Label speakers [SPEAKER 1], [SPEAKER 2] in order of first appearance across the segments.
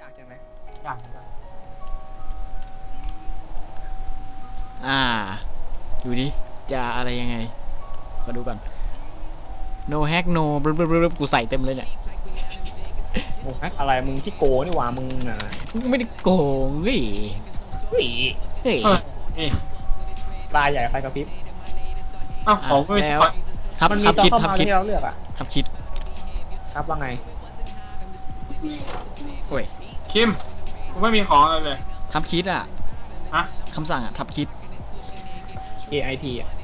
[SPEAKER 1] ใช่ไหม
[SPEAKER 2] อยาก
[SPEAKER 3] ดูดิจะอะไรยังไงขอดูก่อน no hack no บรึบกูใส่เต็มเลยเนี่ย
[SPEAKER 1] โอ้ยอะไรมึงที่โกนี่หว่ามึงน่ะ
[SPEAKER 3] ไม่ได้โกงเฮ้ย
[SPEAKER 1] เฮ้ย
[SPEAKER 3] เฮ้ย
[SPEAKER 1] ลายใหญ่ไฟกระพริบ
[SPEAKER 2] อ้าวของไม่
[SPEAKER 3] แล้ว
[SPEAKER 2] ขอ
[SPEAKER 3] ทับ
[SPEAKER 1] มันมี
[SPEAKER 3] ทับ
[SPEAKER 1] ตอน
[SPEAKER 3] คิด
[SPEAKER 1] เข้า
[SPEAKER 3] ทับ
[SPEAKER 1] มา
[SPEAKER 3] คิด
[SPEAKER 1] ที่เราเลือกอ่ะ
[SPEAKER 3] ทับคิด
[SPEAKER 1] ครับว่าไง
[SPEAKER 3] โอ้ย
[SPEAKER 2] คิมกูไม่มีของอะไรเลย
[SPEAKER 3] ทับคิดอ่ะ
[SPEAKER 2] ฮะ
[SPEAKER 3] คำสั่งอ่ะทับคิด
[SPEAKER 1] KIT อ่ะ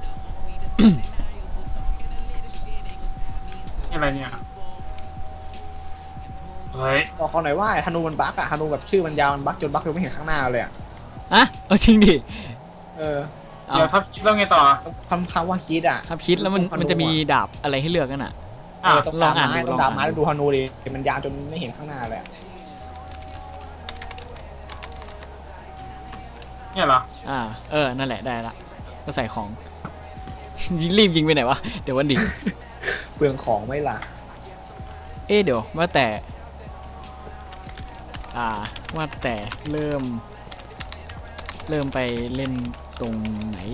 [SPEAKER 2] นี่อะไรเนี่ยเฮ้ย
[SPEAKER 1] บอกเขาหน่อยว่าธนูมันบั๊กอ่ะธนูแบบชื่อมันยาวมันบั๊กจนบั๊กจนไม่เห็นข้างหน้าเลยอ่ะ
[SPEAKER 3] อะเอาจริงดิ
[SPEAKER 1] เออ
[SPEAKER 3] เอา
[SPEAKER 2] เดี๋ยวทับคิดแล้วไงต่อ
[SPEAKER 1] คำว่าคิดอ่ะ
[SPEAKER 3] ทับคิดแล้วมันจะมีดาบอะไรให้เลือกกันอ่ะ
[SPEAKER 2] อ่ะ
[SPEAKER 1] ต้อง
[SPEAKER 3] ลอ
[SPEAKER 1] ดาง บ
[SPEAKER 3] อ่าน
[SPEAKER 1] ไม้
[SPEAKER 3] ดู
[SPEAKER 1] ต้อง
[SPEAKER 3] ลอง
[SPEAKER 1] ดา
[SPEAKER 3] อ่า
[SPEAKER 1] บ
[SPEAKER 3] น
[SPEAKER 1] ไม้ต้องดูธนูดิมันยาวจนไม่เห็นข้างหน้าเลยอะ
[SPEAKER 2] เนี่ยเหรอ
[SPEAKER 3] นั่นแหละได้ละก็ใส่ของ รีบยิงไปไหนวะเดี๋ยววันดิ
[SPEAKER 1] เปลืองของไม่ล่ะ
[SPEAKER 3] เดี๋ยวว่าแต่ว่าแต่เริ่มไปเล่นตรงไหน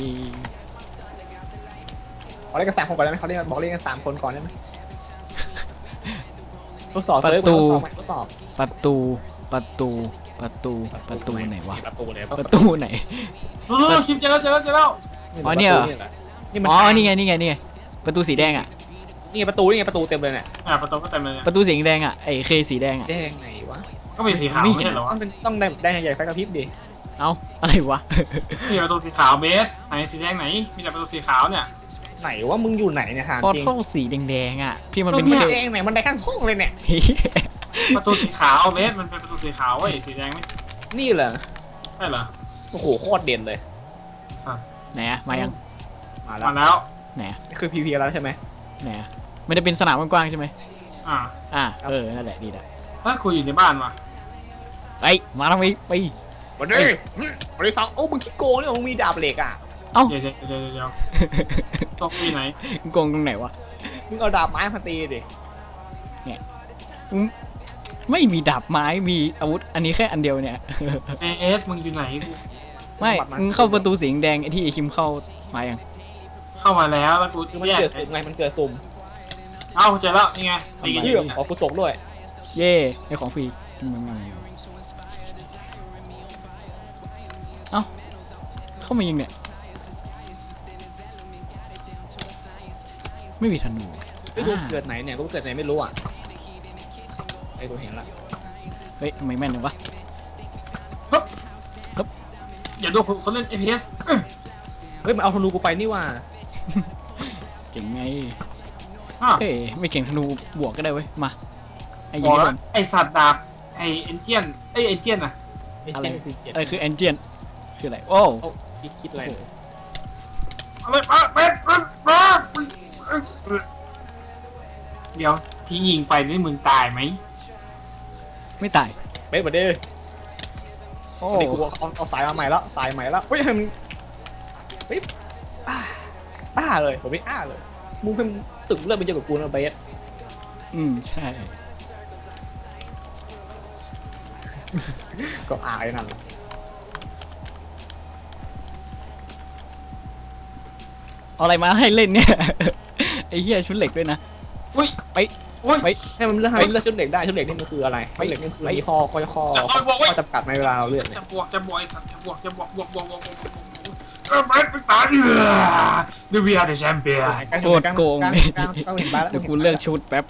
[SPEAKER 1] บอกเล่นกัน3 คนก่อนได้ไหมเขาเล่นบอกเล่นกัน3 คนก่อนได้ไหมทดสอบ
[SPEAKER 3] ประ
[SPEAKER 1] เซิร์ฟ
[SPEAKER 3] ตู
[SPEAKER 1] ทดสอบ
[SPEAKER 3] ประตูไหนวะ
[SPEAKER 1] ประตูเลย
[SPEAKER 3] ประตูไหน
[SPEAKER 2] คิมเจอแล้ว
[SPEAKER 3] อ๋อเนี่ยเหรอ
[SPEAKER 1] นี่มัน
[SPEAKER 3] อ๋อนี่ไงประตูสีแดงอ่ะ
[SPEAKER 1] นี่ไงประตูเต็มเลยเนี่ย
[SPEAKER 2] ประตูก็เต็มเลย
[SPEAKER 3] ประตูสีแดงอ่ะไอ้เคสีแดงอ่ะ
[SPEAKER 1] แดงไหนวะ
[SPEAKER 2] ก็มีสีขาว
[SPEAKER 3] ไม่
[SPEAKER 2] ไม่
[SPEAKER 3] เห็น
[SPEAKER 2] ใช่เหรอวะ
[SPEAKER 1] ต้องแดงใหญ่ไฟกระพริบดิ
[SPEAKER 3] เอ้าอะไรวะ
[SPEAKER 2] นี่ประตูสีขาวเบสไหนสีแดงไหนมีแต่ประตูสีขาวเนี่ย
[SPEAKER 1] ไหนว่ามึงอยู่ไหนเนี่ยถาม
[SPEAKER 3] พอ
[SPEAKER 1] จริง
[SPEAKER 3] ท่อสีแดงๆอ่ะที่มัน
[SPEAKER 1] เป็
[SPEAKER 3] เป็น นเค
[SPEAKER 1] แดงไหนมันได้ข้างห้องเลยเนี่ย
[SPEAKER 2] ประตูสีขาวเบสมันเป็นประตูสีขาวเว้ยสีแดงไม่
[SPEAKER 1] นี่เหรอ
[SPEAKER 2] ใช่เหรอ
[SPEAKER 1] โอ้โหโคตรเด่นเลย
[SPEAKER 3] ไหนอะมายัง
[SPEAKER 1] มาแล้ว
[SPEAKER 2] มาแล้ว
[SPEAKER 3] ไหนอะ
[SPEAKER 1] นี่คือ PVP แล้วใช่ไหม
[SPEAKER 3] ไหนอะไม่ได้เป็นสนามกว้างๆใช่ไหม
[SPEAKER 2] อ่า
[SPEAKER 3] นั่นแหละดีละ
[SPEAKER 2] ถ้าคุยอยู่ในบ้านวะ
[SPEAKER 3] ไปมาทำไมไป
[SPEAKER 1] วันนี้วันที่2โอ้มึงขี้โกงเนี่ยมึงมีดาบเหล็กอ่ะ
[SPEAKER 2] เดี๋ยวตรงที่ไหน
[SPEAKER 3] โกงตรงไหนวะ
[SPEAKER 1] มึงเอาดาบไม้มาตีดิ
[SPEAKER 3] ไม่มีดาบไม้มีอาวุธอันนี้แค่อันเดียวเนี่ย
[SPEAKER 2] เอสมึงอยู่ไหน
[SPEAKER 3] ไม่มึงเข้าประตูสีแดงไอ้ที่ไอ้คิมเข้ามายัง
[SPEAKER 2] เข้ามาแล้วแล้วกู
[SPEAKER 1] คือมัน
[SPEAKER 2] แยก
[SPEAKER 1] เกิดสุ่มไงมันเกิดสุ่ม
[SPEAKER 2] เอ้าเจอแล้วนี่ไงตี
[SPEAKER 1] เรื่องขอกูตกด้วย
[SPEAKER 3] เย่ไอ้ของฟรีเอ้าเข้ามายิงเนี่ยไม่มีธนู
[SPEAKER 1] ไม่รู้เกิดไหนเนี่ยกูเกิดไหนไม่รู้อ่ะไอ้กูเห็นละ
[SPEAKER 3] เฮ้ยทำไมแม่นเลยวะ
[SPEAKER 2] อย่าดูคนเล่น FPS
[SPEAKER 1] เฮ้ยมันเอาธนูกูไปนี่ว่า
[SPEAKER 3] เจ๋งไง
[SPEAKER 2] อ้าว
[SPEAKER 3] เฮ้ยไม่เก่งธนูบวกก็ได้เว้ยมาไอ้
[SPEAKER 2] บ
[SPEAKER 3] ยิ
[SPEAKER 2] อง ก
[SPEAKER 3] ให้
[SPEAKER 2] แล้
[SPEAKER 3] โด
[SPEAKER 2] วน ไอสัตว์ดาบไอเอนเจียนเอนเจียนอะ
[SPEAKER 3] อะไร
[SPEAKER 1] คือเกียรติ
[SPEAKER 3] อะไรคือเอนจินคืออะไรโอ้
[SPEAKER 1] คิดอะไรเนี่ย
[SPEAKER 2] อะไรเดี๋ยวที่ยิงไปนี่มึงตายไหม
[SPEAKER 3] ไม่ตาย
[SPEAKER 1] เบ๊ะมาดิ
[SPEAKER 3] โอ้
[SPEAKER 1] นี่กูเอาสายมาใหม่แล้วสายใหม่แล้วเฮ้ยมันเฮ้ยอ้าเลยผมไม่อ้าเลยมึงเป็นสึกเลือดไปเยอะกับกูนะเบส
[SPEAKER 3] ใช่
[SPEAKER 1] ก็อายนั่น
[SPEAKER 3] เอาอะไรมาให้เล่นเนี่ย ไอ้เหี้ยชุดเหล็กด้วยนะ
[SPEAKER 2] อุ้ย
[SPEAKER 3] ไป
[SPEAKER 2] อุ้ย
[SPEAKER 3] ไป
[SPEAKER 1] ให้มันเลือกให้มันเลือกชุดเหล็กได้ชุดเหล็กนี่มันคืออะไรชุดเหล็กนี่คือมีข้อจำกัดในเวลาเราเลือกเนี่ย
[SPEAKER 2] จะบวกไอสัตว์จะบวกไม่ตายดูวีอาร์เดแชมเปี้ยน
[SPEAKER 3] โคตรโกง
[SPEAKER 1] ก็เห็นบ้านแล้ว
[SPEAKER 3] เดี๋ยวกูเลือกชุดแป๊บ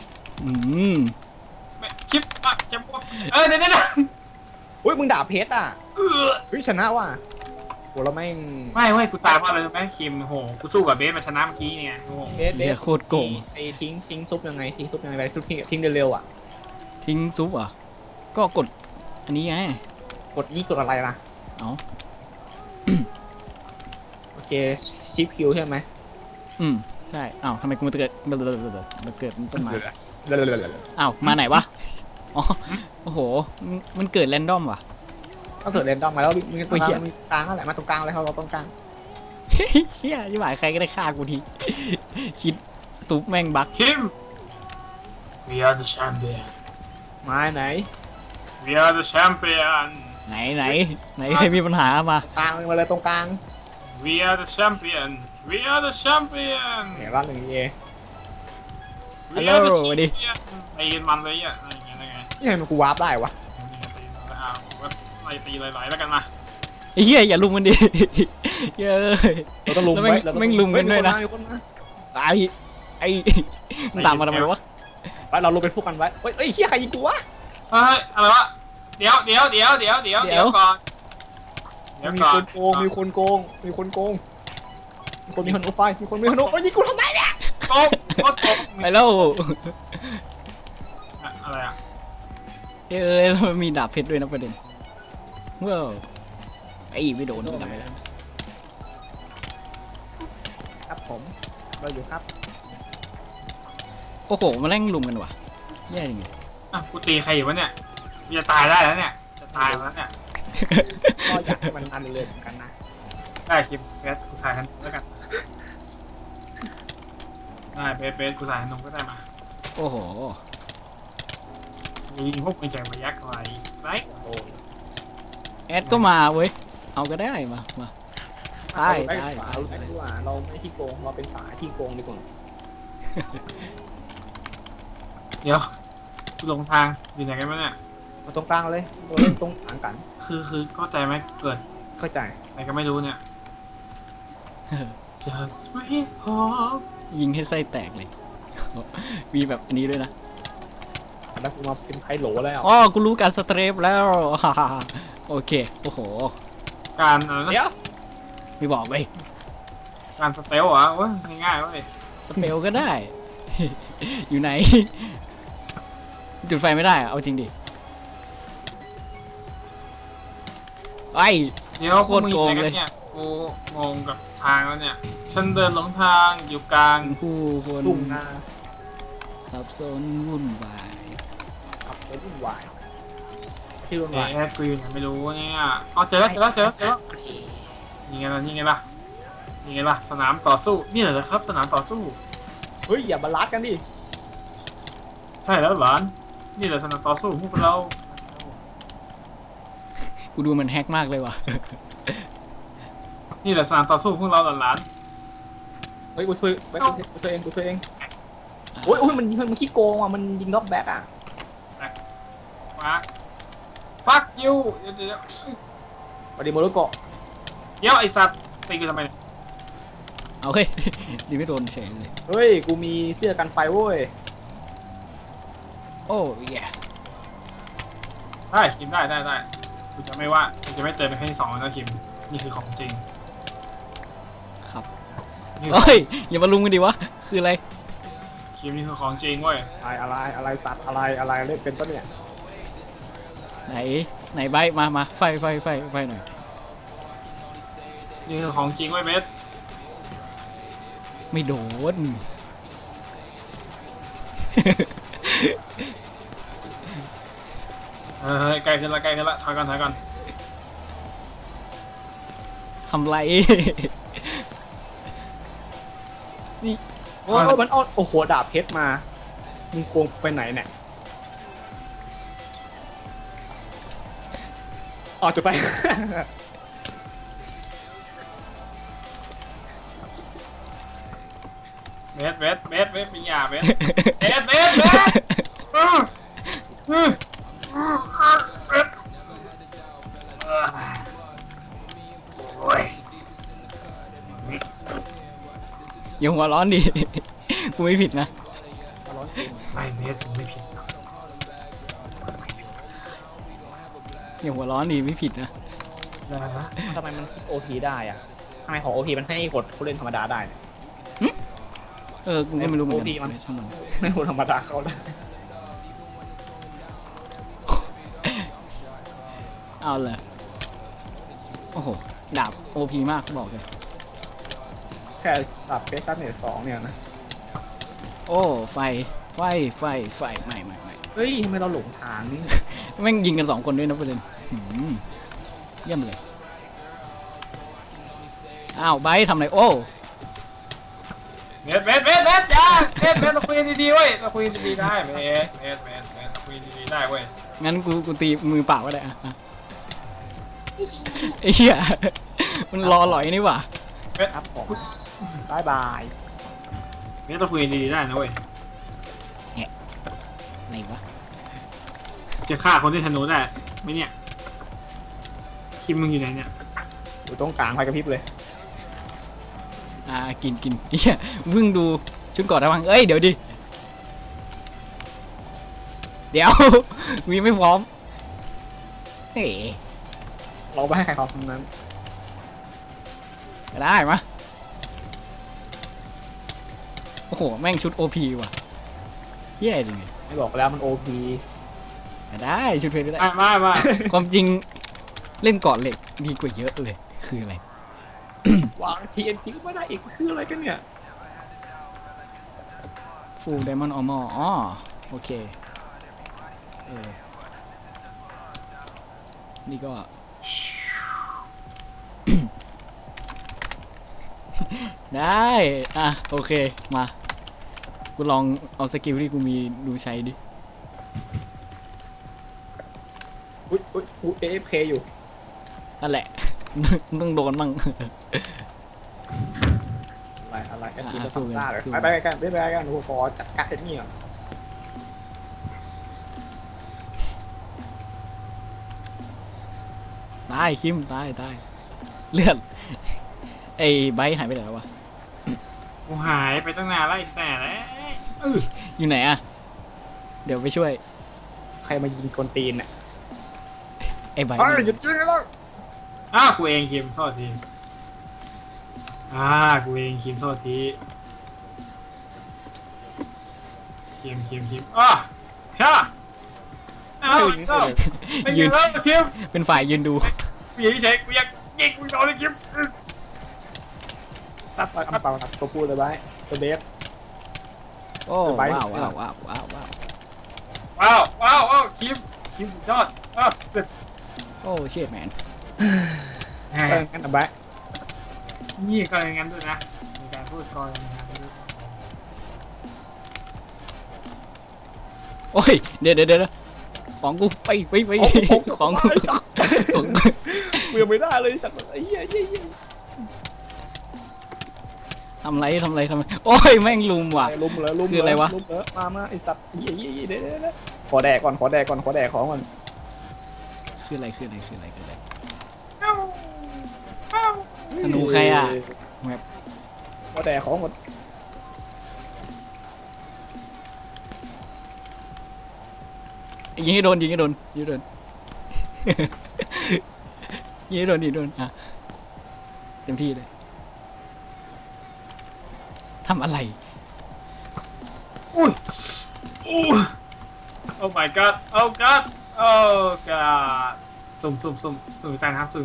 [SPEAKER 2] คลิปจะบวกเดี๋ยว
[SPEAKER 1] อุ้ยมึงด่าเพชรอ่ะเฮ้ยชนะว่ะโหเราไม่
[SPEAKER 2] ไม่เว้ยกูตายเพราะอะไรไหมคิมโหกูสู้กับเบสมาชนะเมื่อกี้เนี่ยโห
[SPEAKER 1] เบส
[SPEAKER 3] เหี้ยโคตรโกง
[SPEAKER 1] ไอ้ทิ้งซุปยังไงทิ้งซุปยังไงไปทิ้งเร็วๆอ่ะ
[SPEAKER 3] ทิ้งซุปอ่ะก็กดอันนี้ไง
[SPEAKER 1] กดยี่กดอะไรล่ะ
[SPEAKER 3] เอา
[SPEAKER 1] โอเคชิปคิวใช่ไหม
[SPEAKER 3] ใช่อ้าวทำไมกูมาเกิดต้นไม้
[SPEAKER 1] เร็ว
[SPEAKER 3] อ้าวมาไหนวะอ๋อโอ้โหมันเกิดแรนดอมว่ะ
[SPEAKER 1] ก็เกิดเรนดอมมาแล้วมีกลางนั่นแหละมาตรงกลางเลยเราตรงกลาง
[SPEAKER 3] เชี่ยยี่หมายใครก็ได้ฆ่ากูที คิดซุปแม่งบัก
[SPEAKER 2] คิม we are the champion
[SPEAKER 1] ไม้ไหน
[SPEAKER 2] We are the champion
[SPEAKER 3] ไหนใครมีปัญหามา
[SPEAKER 1] กลางมาเลยตรงกลาง
[SPEAKER 2] We are the champion We are the champion
[SPEAKER 1] เห็นว่าหนึ่งเอ
[SPEAKER 2] We are the champion ไอ้มันเลยอ่ะอะไรอย่างเงี้ยไง
[SPEAKER 1] นี่ทำไมกูวาร์ปได้วะ
[SPEAKER 2] ไล่ตีไหลๆแล้วกันมา
[SPEAKER 3] ไอ้เหี้ยอย่าลุมกันดิเย้ย
[SPEAKER 1] เราต้องลุม
[SPEAKER 3] แล้ว
[SPEAKER 1] ไว้
[SPEAKER 3] แม่งลุมกันด้วยนะ
[SPEAKER 1] มีคนมา
[SPEAKER 3] ไอ้มึงตามมาทำไมวะ
[SPEAKER 1] ไปเราลุมเป็นพวกกันไว้เฮ้ยเฮียใครยิงกูวะ
[SPEAKER 2] เฮ้ยอะไรวะเดี๋ยวก่อน
[SPEAKER 1] มีคนโกงมีคนโกงมีคนมีฮันโอไฟมีคนมีฮันโอยิงกูทำไมเนี่ย
[SPEAKER 2] โกง
[SPEAKER 3] ไปแล้ว
[SPEAKER 2] อะไรอ่ะ
[SPEAKER 3] แล้วมันมีดาบเพชรด้วยนะประเด็นว้าวไอ้ไม่โดนทำไมแล้ว
[SPEAKER 1] ครับผมเราอยู่ครับ
[SPEAKER 3] โอ้โหมาแร่งลุมกันว่ะแย่จริง
[SPEAKER 2] กูตีใครอยู่วะเนี่ยจะตายได้แล้วเนี่ยจะตายแล้วเนี่ย
[SPEAKER 1] ก็อยากให้มันอันเลยเหมือนกันนะ
[SPEAKER 2] ได้คลิปเบสกูถ่ายทันแล้วกันได้เบสกูถ่ายทันนมก็ได้มา
[SPEAKER 3] โอ้โห
[SPEAKER 2] ยิงพวกมึงใจมายักษ์อะไรไร
[SPEAKER 1] โอ้
[SPEAKER 3] แอดก็มาเว้ยเอาก็ได้มาได้
[SPEAKER 1] เอาไปดีกว่าเราไม่ที่โกงเราเป็นฝาที่โกงดีกว่า
[SPEAKER 2] เดี๋ยวกูลงทางอยู่ไหนกันวะเนี่ย
[SPEAKER 1] มาตรงกลางเลยเราเล่นตรงกลางกัน
[SPEAKER 2] คือเข้าใจไหมเกิด
[SPEAKER 1] เข้าใจ
[SPEAKER 2] อะไรก็ไม่รู้เนี่ย Just wait for
[SPEAKER 3] ยิงให้ไส้แตกเลย มีแบบอันนี้ด้วยนะ
[SPEAKER 1] แล้วกูมาเป็นไพโหลแล้ว
[SPEAKER 3] อ๋อกูรู้การสเตรปแล้ว โอเคโอ้โห
[SPEAKER 2] การอะไรนะ
[SPEAKER 1] เดี๋ยว
[SPEAKER 3] ไม่บอกเลย
[SPEAKER 2] การสเตลเหรอเว้ยง่ายๆเว้ย
[SPEAKER 3] สเปลก็ได้ อยู่ไหน จุดไฟไม่ได้อะเอาจริงดิไอ้
[SPEAKER 2] เดี๋ยวพวกมึงอยู่ไหนกันเนี่ยกูงงกับทางแล้วเนี่ยฉันเดินหลงทางอยู่กลาง
[SPEAKER 3] ผู้คน
[SPEAKER 1] ลุ่มนา
[SPEAKER 3] สับสนวุ่นวาย
[SPEAKER 1] ขับรถวุ่นวายที่วุ่น
[SPEAKER 2] เอ๊
[SPEAKER 1] วาย
[SPEAKER 2] ะกูอยู่ไหนไม่รู้เนี่ยอ๋อเจอแล้วนี่ไงล่ะสนามต่อสู้นี่เหรอครับสนามต่อสู้
[SPEAKER 1] เฮ้ยอย่ามาลัดกันดิ
[SPEAKER 2] ใช่แล้วหลานนี่แหละสนามต่อสู้พวกเรา
[SPEAKER 3] กูดูมันแฮกมากเลยว่ะ
[SPEAKER 2] นี่แหละสนามต่อสู้พวกเราหลาน
[SPEAKER 1] เฮ้ยกูช่วยเองโอ้ยมันขี้โกงอ่ะมันยิงน็อกแบ็กอ่ะ
[SPEAKER 2] มาฟักยูเดี๋ยว
[SPEAKER 1] ปฏิโมโรโกะ
[SPEAKER 2] ไอสัตว์ตีกูทำไม
[SPEAKER 3] เอาเฮ้ย ดีไม่โดนเฉยเลย
[SPEAKER 1] เฮ้ยกูมีเสื้อกันไฟเว้ย
[SPEAKER 3] โอ้ย
[SPEAKER 2] ได้คิมได้กูจะไม่ว่ากูจะไม่เจอเป็นครั้งที่2แล้วนะคิมนี่คือของจริง
[SPEAKER 3] ครับ
[SPEAKER 2] นี่
[SPEAKER 3] เฮ้ยอย่ามาลุมกันดิวะคืออะไร
[SPEAKER 2] คิมนี่คือของจริงเว้ย
[SPEAKER 1] อะไรสัตว์อะไรเล่นเป็นปะเนี่ย
[SPEAKER 3] ไหนใบมาไฟหน่อย
[SPEAKER 2] นี่คือของจริงเว้ยเบส
[SPEAKER 3] ไม่โดน
[SPEAKER 2] ใกล้ขึ้นละถอยก่อน
[SPEAKER 3] ทำไร
[SPEAKER 1] โอ้มันเอาโอ้โหดาบเพชรมามึงโกงไปไหนเนี่ยอ๋อจุดไฟ
[SPEAKER 2] เบสมีหยาเบสโอ้ย
[SPEAKER 3] อย่าหัวร้อนดิ กูไม่ผิดนะ
[SPEAKER 2] ไม่เบสไม่ผิด
[SPEAKER 3] อย่าหัวร้อนดิไม่ผิดนะ
[SPEAKER 1] ทำไมมันโอพีได้อะทำไมของโอพีมันให้กดผู้เล่นธรรมดาได้เนี่ย
[SPEAKER 3] กูก็ไม่รู้เหมือนกั
[SPEAKER 1] โอ้ดีมัน
[SPEAKER 3] นช่างมัน
[SPEAKER 1] ไม่คนธรรมดาเข้าได้
[SPEAKER 3] เอาเลยโอ้โหดาบโอพีมากบอกเลย
[SPEAKER 1] แค่ตัดเพชรซัดเนี่ย2เนี่ยนะ
[SPEAKER 3] โอ้ไฟไม่
[SPEAKER 1] เฮ้ยทำไมเราหลงทางนี่
[SPEAKER 3] แม่งยิงกัน2 คนด้วยนะประเด็นเยี่ยมเลยอ้าวไบร์ททำอะไรโอ้
[SPEAKER 2] เบสอย่าเบสเราคุยดีๆเว้ยเราคุยดีๆได้เบสเราคุยดีๆได้เว้ย
[SPEAKER 3] งั้นกูตีมือเปล่าก็ได้อะไอ้เหี้ยมันรอหลอยนี่หว่า
[SPEAKER 1] ครับผมบายบาย
[SPEAKER 2] นี่ต้องคุยดีๆได้นะเว้ย
[SPEAKER 3] ไหนวะ
[SPEAKER 2] จะฆ่าคนที่ธนูได้ไหมเนี่ยคิมมึงอยู่ไหนเนี่ย
[SPEAKER 1] อยู่ตรงกลางไฟกระพริบเลย
[SPEAKER 3] กินเหี้ยวิ่งดูชุดก่อนระวังเอ้ยเดี๋ยวดิเดี๋ยว วีไม่พร้อมเฮ้
[SPEAKER 1] เราไปให้ใครเขาทำนั้น
[SPEAKER 3] ได้มะโอ้โหแม่งชุด OP ว่ะเหี้ยจริง
[SPEAKER 1] ไม่บอกแล้วมันโอพี
[SPEAKER 3] ได้ชุดเพลย์ได้
[SPEAKER 2] มา
[SPEAKER 3] ความจริงเล่นเกาะเหล็กดีกว่าเยอะเลยคืออะไร
[SPEAKER 1] วาง TNT ก็ไม่ได้อีกคืออะไรกันเนี่ย
[SPEAKER 3] Full Diamond Armor อ๋อโอเคนี่ก็ ได้โอเคมากูลองเอาสกิลที่กูมีดูใช้ดิ
[SPEAKER 1] อุ้ยAFK อยู่
[SPEAKER 3] นั่นแหละ ต้องโดนมั่ง
[SPEAKER 1] อะไรกันกิน
[SPEAKER 3] อ่ะ
[SPEAKER 1] มา
[SPEAKER 3] สู้
[SPEAKER 1] ซ้ำ
[SPEAKER 3] กัน
[SPEAKER 1] ซ่าเลย
[SPEAKER 3] สู้
[SPEAKER 1] ไปกันโอ้โหขอจัดการไอ้นี่ก่อน
[SPEAKER 3] ตายคิมตายเลือดไอ้ไบร์ทหายไปไหนแล้ววะ
[SPEAKER 2] กูหายไปตั้งนานแล้วไอ้แส่แล้ว
[SPEAKER 3] อยู่ไหนอะเดี๋ยวไปช่วย
[SPEAKER 1] ใครมายิงกลตีนเนี่ย
[SPEAKER 3] ไอ้ไบร์ท
[SPEAKER 1] หยุดยิงแล้ว
[SPEAKER 2] กูเองคิมโทษทีกูเองคิมโทษทีคิมฮ่าไม่ยืนแล้วคิม
[SPEAKER 3] เป็นฝ่ายยืนดู
[SPEAKER 2] กูยังเฉยกูอยากยิงกูโดนเลยคิม
[SPEAKER 1] ตัดเปล่าตัวพูดเลยไว้ตัวเบส
[SPEAKER 3] โอ้
[SPEAKER 1] ไบร์ท
[SPEAKER 3] ว้าว
[SPEAKER 2] คิมสุดยอดเด็ด
[SPEAKER 3] โอ้เชียดแมน
[SPEAKER 1] ก็งั้นเอาไว้
[SPEAKER 2] นี่ก็อย่างนั้นด้วยนะมีการพูดกรอย่างนั้นด้วย
[SPEAKER 3] โอ้ยเดี๋ยวของกูไปของกูของ
[SPEAKER 1] กูยังไม่ได้เลยสัตว์ไอ้เหี้ย
[SPEAKER 3] ทำไรโอ้ยแม่งลุมว่ะ
[SPEAKER 1] ลุมเลย
[SPEAKER 3] คืออะไรวะ
[SPEAKER 1] ลุมเลยมาไอ้สัตว์เหี้ยเดี๋ยวขอแดกก่อนขอแดกของก่อน
[SPEAKER 3] คืออะไรธนูใครอะ
[SPEAKER 1] ขอแดกของหมด
[SPEAKER 3] ยิงให้โดนยิงให้โดนอ่ะเต็มที่เลยทำอะไร
[SPEAKER 2] โอ้ my god โอ้ god สุ่มอยู่ใต้น้ำ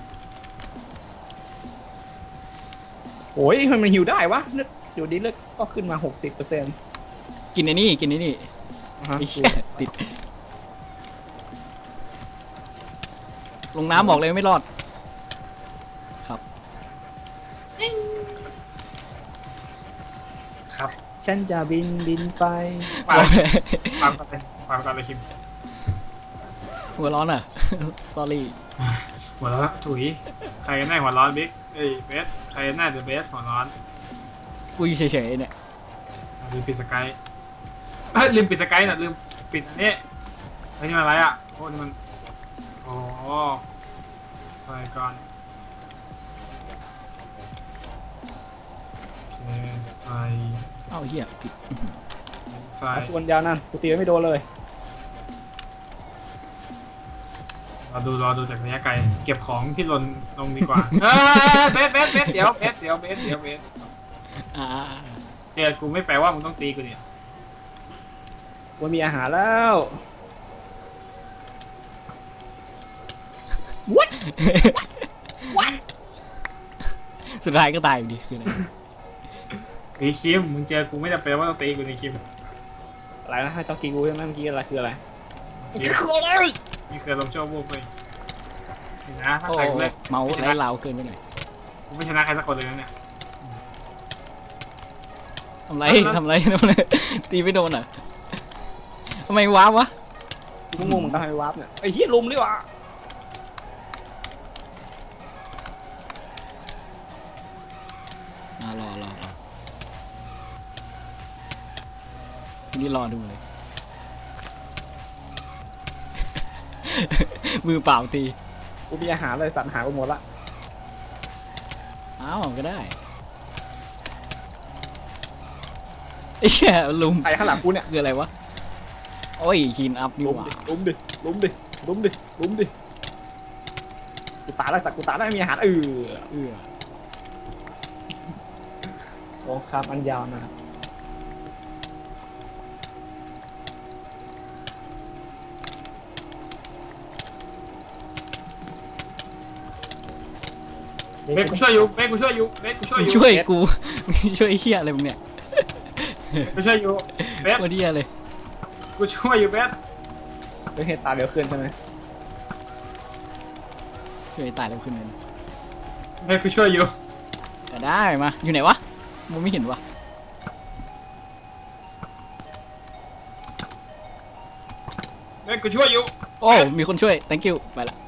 [SPEAKER 1] โอ้ยมันหิวได้วะเลือดอยู่ดีเลือดก็ขึ้นมา 60%
[SPEAKER 3] กินไอ้นี่ไอ้เชี่ยติดลงน้ำบอกเลยไม่รอดครับ
[SPEAKER 2] ครับ
[SPEAKER 1] ฉันจะบินไป
[SPEAKER 2] ความกันเลยคิม
[SPEAKER 3] หัวร้อนอ่ะ sorry
[SPEAKER 2] หัวร้อนถุยใครกันแน่หัวร้อนบิ๊กเบสใครกันแน่เดอะเบสหัวร้อน
[SPEAKER 3] กูอยู่เฉยๆเนี่ย
[SPEAKER 2] ลืมปิดสกายลืมปิดสกายน่ะลืมปิดอันนี้ไอ้นี่มันอะไรอ่ะโอ้นี่มันใส่ก่อนโอเคใส่
[SPEAKER 3] เอ้าเหี้ยผิด
[SPEAKER 2] ใส่
[SPEAKER 1] ส่วนยาวนั่นกูตีไม่โดนเลย
[SPEAKER 2] รอดูจากระยะไกลเก็บของที่หล่นลงดีกว่าเบสเดี๋ยวเบสเดี๋ยวกูไม่แปลว่ามึงต้องตีกูเนี่ย
[SPEAKER 1] กูมีอาหารแล้ว
[SPEAKER 3] สุดท้ายก็ตายอยู่ดีคืออะไร
[SPEAKER 2] ไอ้คิมมึงเจอกูไม่จำเป็นว่าต้องตีกูในคิม
[SPEAKER 1] อะไรนะให้เจ้ากีกูใช่ไหมเมื่อกี้อะไรคืออะไร
[SPEAKER 2] นี่คือลมโชว์บุกเลยนะถ้า
[SPEAKER 3] โอ้
[SPEAKER 2] ใครกูเล่น
[SPEAKER 3] เมาส์ไร้ลาวเกินไปหน่อย
[SPEAKER 2] กูไม่ชนะใครสักคนเลยนะเนี่ย
[SPEAKER 3] ทำไรตีไม่โดนอ่ะทำไมว้าวะ
[SPEAKER 1] กูงงเหมือนกันทำไมวาร์ปเนี่ยไอ้เหี้ยลุมดีกว่า
[SPEAKER 3] รอทีนี้รอดูเลย มือเปล่าตี
[SPEAKER 1] กูมีอาหารเลยสัตว์หากูหมดละ
[SPEAKER 3] อ้าวก็ได้ไอ้เหี้ยลุม
[SPEAKER 1] ใครข้างหลังกูเนี่ย
[SPEAKER 3] คืออะไรวะโอ้ยคีนอัพนี่
[SPEAKER 1] ลุม
[SPEAKER 3] หว่า
[SPEAKER 1] ดิลุมดิลุมดิลุมดิลุมดิกูตายแล้วสัตว์กูตายแล้วไม่มีอาหาร
[SPEAKER 3] เออ
[SPEAKER 1] สงครามอันยาวนะครับ
[SPEAKER 2] เบสกูช่วยอยู่เบสกูช่วยอยู่เบสกูช่วยอยู่
[SPEAKER 3] ช่วยกู ช่วยไอ้เหี้ยอะไรมึงเนี่ย
[SPEAKER 2] กูช่วยอยู่เบส
[SPEAKER 3] วันนี้อะไร
[SPEAKER 2] กูช่วยอยู่เบส
[SPEAKER 1] ไม่ให้ตาเร็วขึ้นใช่ไหม
[SPEAKER 3] ช่วยให้ตายแล้วขึ้นเลยนะ
[SPEAKER 2] เบสกูช่วยอยู่
[SPEAKER 3] ก็ได้มาอยู่ไหนวะมึงไม่เห็นวะ
[SPEAKER 2] เบสกูช่วยอยู่
[SPEAKER 3] โอ้มีคนช่วย thank you ไปละ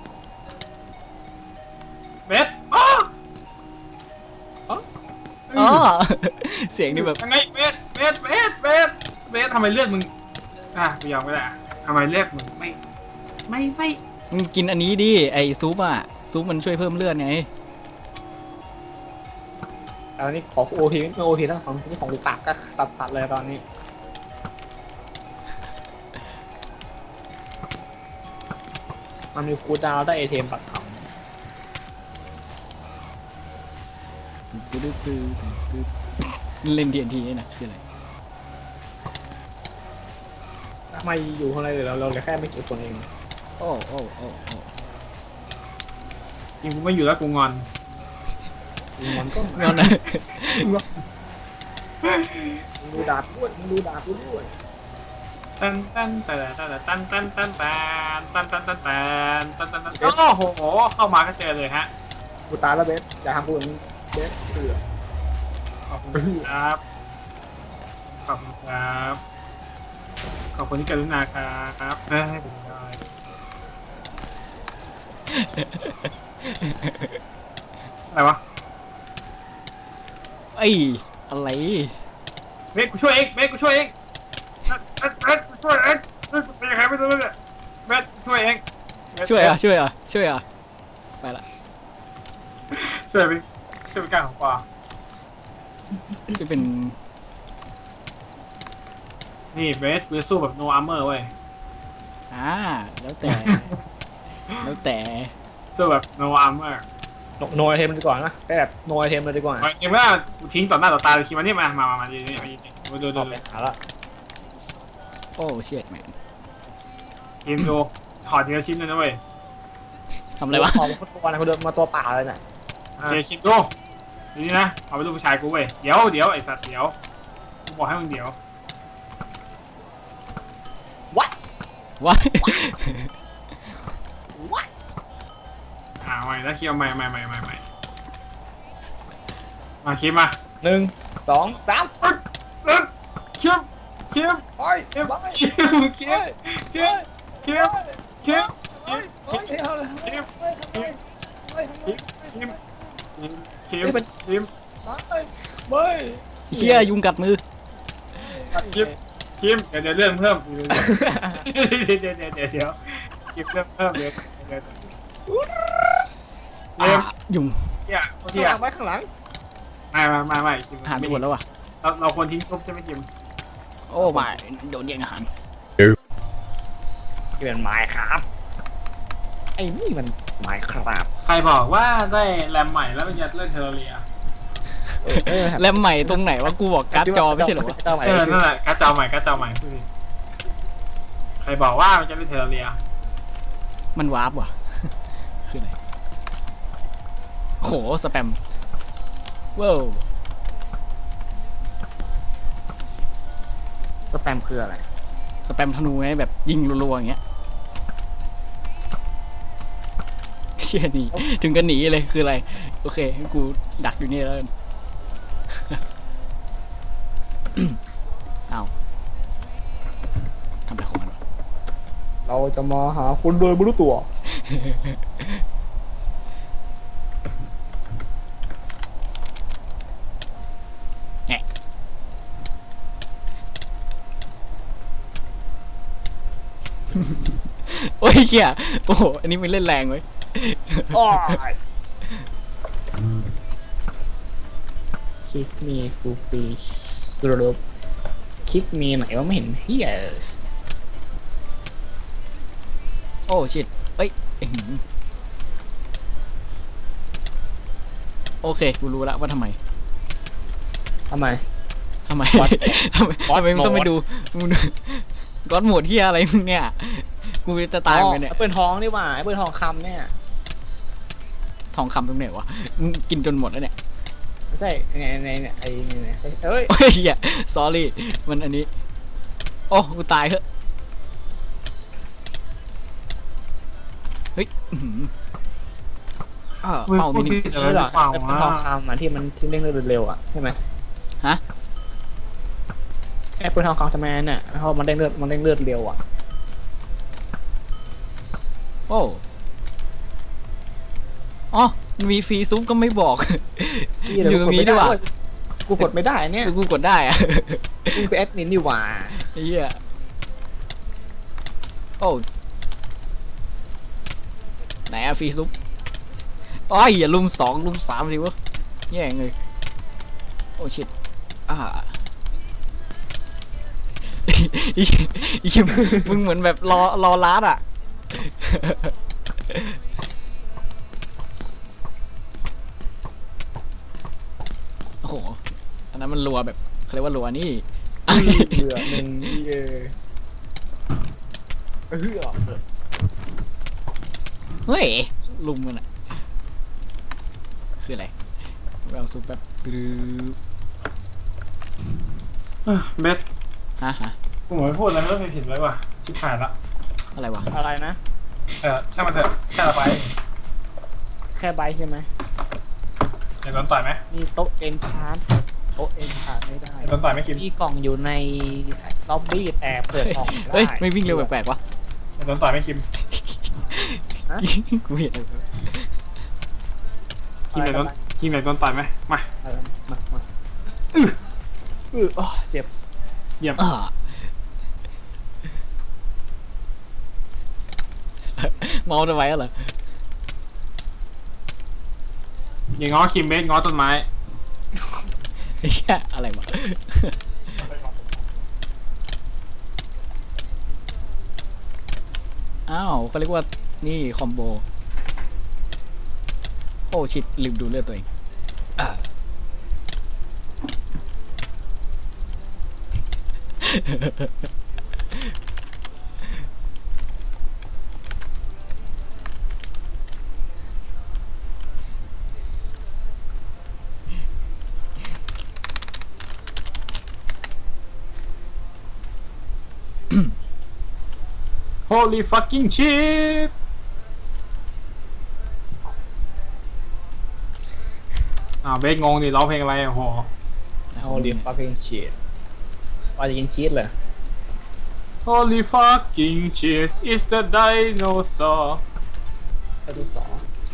[SPEAKER 2] เบสอ๋อ
[SPEAKER 3] อ๋อ เสียงนี่แบบ
[SPEAKER 2] ยังไงเบสทำไมเลือดมึงกูยอมไม่ได้ทำไมเลือดมึงไม่
[SPEAKER 3] มึงกินอันนี้ดิไอซุปอ่ะซุปมันช่วยเพิ่มเลือดไง
[SPEAKER 1] ตอนนี้ขอโอทีไม่โอทีแล้วของนี่ของลูกตากก็สัสๆเลยตอนนี้มันมีคูลดาวน์ได้ไอเทมปัดเผา
[SPEAKER 3] เล่น TNT นี่นะคืออะไร
[SPEAKER 1] ทำไมอยู่ข้างในเราเหลือแค่ไม่กี่คนเอง
[SPEAKER 3] โอ้
[SPEAKER 2] จริงกูไม่อยู่แล้วกูงอน
[SPEAKER 1] มันก็
[SPEAKER 3] งอนนะ
[SPEAKER 1] มึงดูดาบด้วยมึงดูดาบกูด้วย
[SPEAKER 2] ตันโอ้โหเข้ามาก็เจอเลยฮะ
[SPEAKER 1] กูตายแล้วเบสอย่าทำกูอย่างนี้เบสเตือ
[SPEAKER 2] ขอบคุณครับขอบคุณครับขอบคุณที่กรุณาครับให้ผมได้อะไรวะ
[SPEAKER 3] ไอ้อะไร
[SPEAKER 2] เบสกูช่วยเองเบสกูช่วยเองกูช่วยเองเป็นยังไงไม่รู้เลยเบสช่วยเอง
[SPEAKER 3] ช่วยอ่ะไปละ
[SPEAKER 2] ช่วยเป็นการของปลา
[SPEAKER 3] ช่วยเป็น
[SPEAKER 2] นี่เบสกูจะสู้แบบ no armor เว้ย
[SPEAKER 3] แล้วแต่
[SPEAKER 2] สู้แบบ no armor
[SPEAKER 1] โนไอเทมดีกว่านะได้แบบโนไอเทมเลยดีกว่า
[SPEAKER 2] เห็นว่ากูทิ้งต่อหน้าต่อตาเลยคิดมาเนี่ยมาดู
[SPEAKER 1] เอาไปหาละ
[SPEAKER 3] โอ้เชียดแมน
[SPEAKER 2] ทีมดูถอดทีละชิ้นเลยนะเว้ย
[SPEAKER 3] ทำอะไรวะ
[SPEAKER 1] พอมาตัวนะเขาเดินมาตัวเปล่าเลยน่ะ
[SPEAKER 2] เชียร์คิดดูนี่นะเอาไปลูกผู้ชายกูเว้ยเดี๋ยวไอ้สัตว์เดี๋ยวกูบอกให้มึงเดี๋ยว
[SPEAKER 3] วะ
[SPEAKER 2] ไม่แล้วคิดเอาใหม่มาคิดมา
[SPEAKER 1] 1 2 3
[SPEAKER 2] คิด
[SPEAKER 1] ไปไป ไป
[SPEAKER 3] เชี่ยยุงกัดมือ
[SPEAKER 2] คิมเดี๋ยวเรื่องเพิ่มเดี๋ยวคิมเรื่องเพิ่มเดี๋ยว
[SPEAKER 3] ยุง
[SPEAKER 1] ข้างหลังไว้ข้างหลัง
[SPEAKER 2] ไม่คิม
[SPEAKER 3] อาหารไปหมดแล้ววะ
[SPEAKER 2] เราควรทิ้งทุบใช่ไหมคิม
[SPEAKER 3] โอ้ไม่โดนแย่งอาหาร
[SPEAKER 1] ที่เป็นไม้ครับไอ้นี่มันไม้ครับ
[SPEAKER 2] ใครบอกว่าได้แรมใหม่แล้วมันจะเล่นเทอร์เรีย
[SPEAKER 3] แล้วใหม่ตรงไหนวะกูบอกการ์ดจอไม่ใช่เหรอวะ
[SPEAKER 1] เจ้าใหม่
[SPEAKER 2] นั่นแหละการ์ดจอใหม่ใครบอกว่ามันจะเล่นเทอร์เรีย
[SPEAKER 3] มันวาร์ปว่ะ คืออะไรโหสแปมว้าว
[SPEAKER 1] สแปมคืออะไร
[SPEAKER 3] สแปมธนูไงแบบยิงรัวๆอย่างเงี้ยเชี่ยหนีถึงกันหนีเลยคืออะไรโอเคงั้นกูดักอยู่นี่แล้วกัน เอาทำอะไรของมันวะ
[SPEAKER 1] เราจะมาหาคุณโดยไม่รู้ตัว
[SPEAKER 3] โอ้ยเหี้ยโอ้โหอันนี้มันเล่นแรงเว้ย
[SPEAKER 1] อ้ายคิกมีฟูฟีสรุปคิกมีไหนว่าไม่เห็นเฮียเลย
[SPEAKER 3] โอ้ชิตเอ้ยอื้อหือโอเคกูรู้แล้วว่าทำไม
[SPEAKER 1] ทำไม
[SPEAKER 3] ทำไม
[SPEAKER 1] What?
[SPEAKER 3] ทำไม
[SPEAKER 1] What
[SPEAKER 3] ทำไมมึงต้องไป
[SPEAKER 1] mode?
[SPEAKER 3] ดูมึงดูก๊อตโหมดที่อะไรมึงเนี่ยกูจะตายเหมือนกันเนี่ย
[SPEAKER 1] แอปเปิลทองนี่หว่าแอปเปิลทองคำเนี่ย
[SPEAKER 3] ทองคำตรงไหนวะมึงกินจนหมดแล้วเนี่ย
[SPEAKER 1] ไม่ใช่ในไอ้เนี่ยเอ้ย
[SPEAKER 3] โอ้ยเหี้ย sorry มันอันนี้โอ้กูตายเถอะเฮ้ยอื้อหือเป้า
[SPEAKER 2] พู
[SPEAKER 3] มิ
[SPEAKER 2] ด
[SPEAKER 3] นิ
[SPEAKER 2] ผิดอะไร
[SPEAKER 1] นี่
[SPEAKER 2] ห
[SPEAKER 1] หร
[SPEAKER 2] รือ อเปล่า
[SPEAKER 1] แอปเปิล
[SPEAKER 2] วะ
[SPEAKER 1] ทองคำอ่ะที่มันที่เร่งเร็วๆอ่ะใช่ไหม
[SPEAKER 3] ฮะ
[SPEAKER 1] แอปเปิลทองคำทำไมเนี่ยเพราะมันเร่งเลือดเร็วอ่ะ
[SPEAKER 3] โอ้อ๋อมีฟรีซุปก็ไม่บอก อยู่ตรงนี้ด้วยว่ะ
[SPEAKER 1] กูกดไม่ได้เนี่ย
[SPEAKER 3] กูกดได้อะ
[SPEAKER 1] กูเป็นแอดมินนี่หว่า
[SPEAKER 3] ไอ้เหี้ยโอ้ไหนอะฟรีซุปอ้อยอย่าลุม2ลุม3สิวะแย่งเลยโอ้ชิตอีมึงเหมือนแบบรอลัดอ่ะ โอ้โหอันนั้นมันรัวแบบเขาเรียกว่ารัวนี่
[SPEAKER 1] เบื่อหนึ่ง
[SPEAKER 3] เฮ้ยลุมมันอะคืออะไรเราซุปแบบตรึบ
[SPEAKER 2] เบส
[SPEAKER 3] ฮะ
[SPEAKER 2] กูเหมือนพูดอะไรไม่รู้ผิดเลยว่ะชิบหายละ
[SPEAKER 3] อะไรวะ
[SPEAKER 1] อะไรนะ
[SPEAKER 2] ช่างมันเถอะแค่ละไป
[SPEAKER 1] แค่ใบใช่ไหม
[SPEAKER 2] เดี๋ยวโดนต่อยไหม
[SPEAKER 1] มีโต๊ะเอนชานโต๊ะเอนชานไม่ได้
[SPEAKER 2] เดี๋ยวโดนต่อยไหมคิม
[SPEAKER 1] มีกล่องอยู่ในล็อบบี้แต่เปิดออกไม่ได้
[SPEAKER 3] เฮ้ยไม่วิ่งเร็วแปลกๆวะ
[SPEAKER 2] เดี๋ยวโดนต่อยไหมคิม
[SPEAKER 3] กูเห็น
[SPEAKER 2] คิมเดี๋ยวโดนคิมเดี๋ยวโดนต่อยไหมมา
[SPEAKER 1] อะไรมาเจ็บ
[SPEAKER 2] เยี่ยม
[SPEAKER 3] เมาจะไว้เหรอ
[SPEAKER 2] อย่างง้อคิมเบสง้อต้นไม้
[SPEAKER 3] ไอ้เหี้ยอะไรวะอ้าวเขาเรียกว่านี่คอมโบโอ้ชิตลืมดูเลือดตัวเอง
[SPEAKER 2] โ Holy fucking shit เบสงงดิร้องเพลงอะไรโอ้โห
[SPEAKER 1] Holy fucking shit ว่าจะกินชีสเลย
[SPEAKER 2] Holy fucking shit is the dinosaur
[SPEAKER 1] ข้อที่2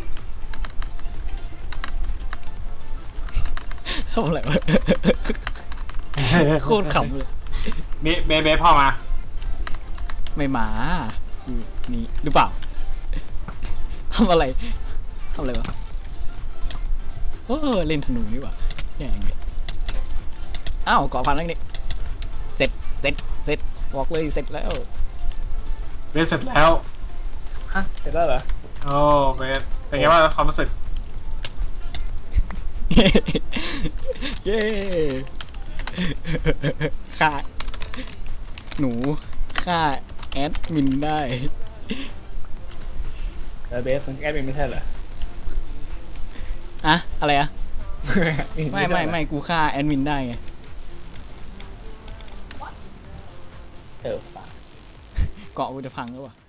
[SPEAKER 3] ทำอะไรวะโคตรขำเลย
[SPEAKER 2] เบสพ่อมา
[SPEAKER 3] ไม่มาอยู่นี่หรือเปล่าทำอะไรวะโอ้เล่นธนูนี่หว่าแย่งเลยอ้าวก่อพันแล้วนี่เสร็จบอกเลยเสร็จแล้ว
[SPEAKER 2] เบสเสร็จแล้ว
[SPEAKER 1] ฮะเสร็จแล้วเหรอ
[SPEAKER 2] โอ้เบสเป็นไงบ้างความรู้สึก
[SPEAKER 3] เย้ฆ่าหนูฆ่าแอดมินได้
[SPEAKER 1] แต่เบสมันแอดมินไม่ใช่เหรอ
[SPEAKER 3] อะอะไรอะไม่กูฆ่าแอดมินได้ไง
[SPEAKER 1] เออ
[SPEAKER 3] เกาะกูจะพังแล้ววะ